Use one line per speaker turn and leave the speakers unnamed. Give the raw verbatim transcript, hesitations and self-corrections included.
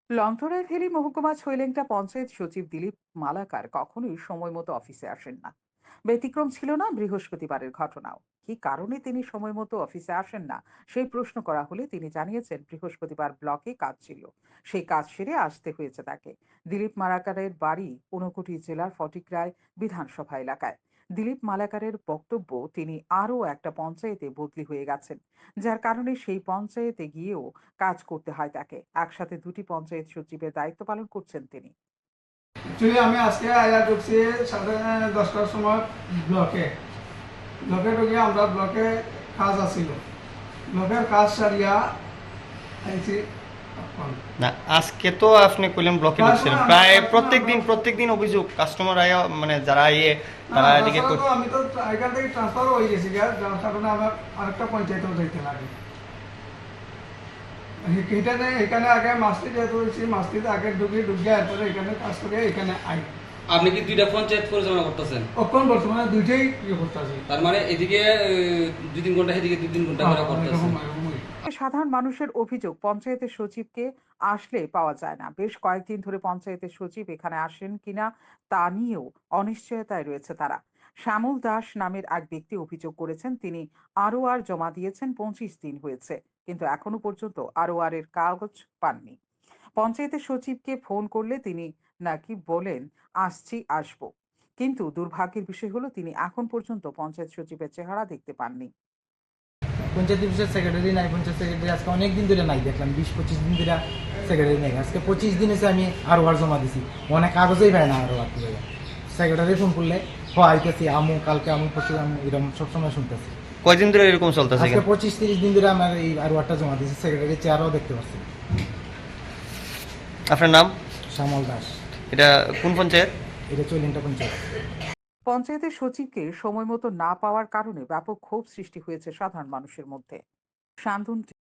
লংথরায় valley মহকুমা ছৈলেংটা পঞ্চায়েত সচিব দিলীপ মালাকার কখনোই সময় মতো অফিসে আসেন না। ব্যতিক্রম ছিল না বৃহস্পতিবারের ঘটনাও। কি কারণে তিনি সময় মতো অফিসে আসেন না সেই প্রশ্ন করা হলে তিনি জানিয়েছেন বৃহস্পতিবার ব্লকে কাজ ছিল, সেই কাজ সেরে আসতে হয়েছে তাকে। দিলীপ মালাকারের বাড়ি ঊনকোটি জেলার ফটিকরায় বিধানসভা এলাকায়। দিলীপ মালাকারের বক্তব্য, তিনি আরও একটা পঞ্চায়েতে বদলি হয়ে গেছেন, যার কারণে সেই পঞ্চায়েতে গিয়েও কাজ করতে হয় তাকে। একসাথে দুটি পঞ্চায়েত সচিবের দায়িত্ব পালন করছেন তিনি।
অ্যাকচুয়ালি আমি আজকে আয়া ঢুকছি সাড়ে দশটার সময় ব্লকে ব্লকে ঢুকে আমরা ব্লকে কাজ আসিল, ব্লকের কাজ সারিয়া আইছি।
না, আজকে তো আপনি কইলেন ব্লকে
তারপরে
ঢুকছিলেন,
আমরা
প্রায়
তারপরে
প্রত্যেক দিন
আমরা-
প্রত্যেক দিন অভিযোগ কাস্টমার আয়া মানে যারা ইয়ে
না,
তারা এদিকে
তাছাড়া
কই-
তো আমি তো এখান থেকে ট্রান্সফার হয়ে গেছি গা, যার কারণে আমার আরেকটা পঞ্চায়েতেও যাইতে লাগে। এখানে এখানে আগে মাস্তি যেহেতু হয়েছি, মাস্তিতে আগে ঢুকি ঢুকে এরপরে এখানে কাজ করে এখানে আই।
আপনি কি দুইটা পঞ্চায়েত পরিচালনা করতেছেন?
এখন বর্তমানে দুইটাই ইয়ে করতেছি।
তার মানে এদিকে আহ, দুই তিন ঘন্টা, এদিকে দুই তিন ঘন্টা করে করতেছেন।
সাধারণ মানুষের অভিযোগ, পঞ্চায়েতের সচিবকে আসলে পাওয়া যায় না। বেশ কয়েকদিন ধরে পঞ্চায়েতের সচিব এখানে আসেন কিনা তা নিয়েও অনিশ্চয়তায় রয়েছে তারা। শ্যামল দাস নামের এক ব্যক্তি অভিযোগ করেছেন, তিনি আরও আর জমা দিয়েছেন, পঁচিশ দিন হয়েছে, কিন্তু এখনো পর্যন্ত আরও আর এর কাগজ পাননি। পঞ্চায়েতের সচিবকে ফোন করলে তিনি নাকি বলেন আসছি আসবো, কিন্তু দুর্ভাগ্যের বিষয় হলো তিনি এখন পর্যন্ত পঞ্চায়েত সচিবের চেহারা দেখতে পাননি।
পঞ্চায়েত অফিসের সেক্রেটারি নাই, পঞ্চায়েত সেক্রেটারি আজকে অনেক দিন ধরে নাই, দেখলাম বিশ পঁচিশ দিন ধরে সেক্রেটারি নাই। আজকে পঁচিশ দিন এসে আমি আরো আর জমা দিছি, অনেক কাগজেই পাই না আরো আর কি। সেক্রেটারি ফোন করলে হ আইতেছি, আমু কালকে আমু পরশু আমি এরকম সবসময় শুনতেছি।
কয়দিন ধরে এরকম চলতেছে?
আজকে পঁচিশ তিরিশ দিন ধরে আমার এই আরো একটা জমা দিয়েছি, সেক্রেটারি চেয়ারও দেখতে পাচ্ছি।
আপনার নাম?
শ্যামল দাস।
এটা কোন পঞ্চায়েত?
এটা চল্লিশটা পঞ্চায়েত।
পঞ্চায়েতের সচিবকে সময় মতো না পাওয়ার কারণে ব্যাপক ক্ষোভ সৃষ্টি হয়েছে সাধারণ মানুষের মধ্যে। শান্তন